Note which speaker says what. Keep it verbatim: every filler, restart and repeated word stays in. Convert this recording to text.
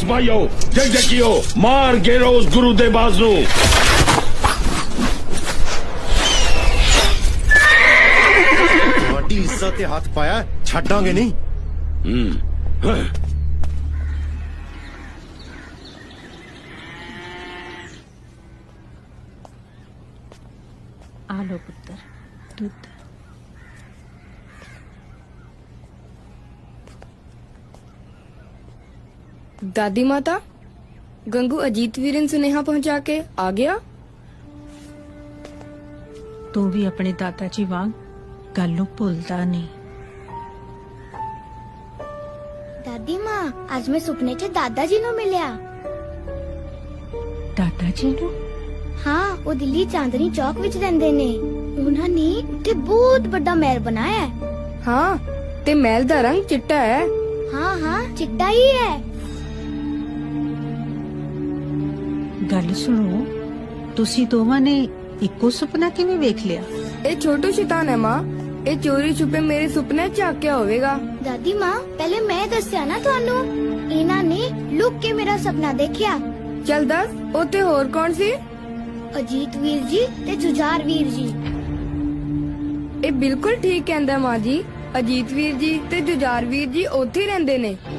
Speaker 1: सिपाहियों जग जगियो मार गिरो उस गुरु दे बाज नू।
Speaker 2: ਤੁਹਾਡੀ ਇੱਜ਼ਤ ਤੇ ਹੱਥ ਪਾਇਆ ਛੱਡਾਂਗੇ ਨਹੀਂ।
Speaker 1: हम्म
Speaker 3: आ लो पुत्र दूध।
Speaker 4: दादी माता गंगू अजीत वीरन सुनेहा पहुंचा के आ गया।
Speaker 3: तू भी अपने दादा जी वांग गल नूं भुलदा नहीं।
Speaker 5: दादी माँ आज मैं सुपने च दादा जी नु मिलिया।
Speaker 3: दादा जी नूं?
Speaker 5: हाँ वो दिल्ली चांदनी चौक विच रहंदे ने। उन्हां ने उत्थे बहुत बड़ा महल बनाया है।
Speaker 4: हाँ ते महल दा रंग चिट्टा है।
Speaker 5: हाँ हाँ चिट्टा ही है।
Speaker 3: गल सुनो, तुसी दोवां ने इक्को सुपना किवें वेख लिया?
Speaker 4: ए छोटू शैतान है माँ, ए चोरी छुपे मेरे सुपने झांकिया होवेगा।
Speaker 5: दादी माँ पहले मैं दस्या ना थानू, इन्हां ने लुक के मेरा सपना देखिया।
Speaker 4: चल दस ओते होर कौन सी?
Speaker 5: अजीत वीर जी ते जुझार वीर जी।
Speaker 4: ए बिल्कुल ठीक कहंदा माँ जी, अजीत वीर जी ते जुझार वीर जी ओथे ही रहंदे ने।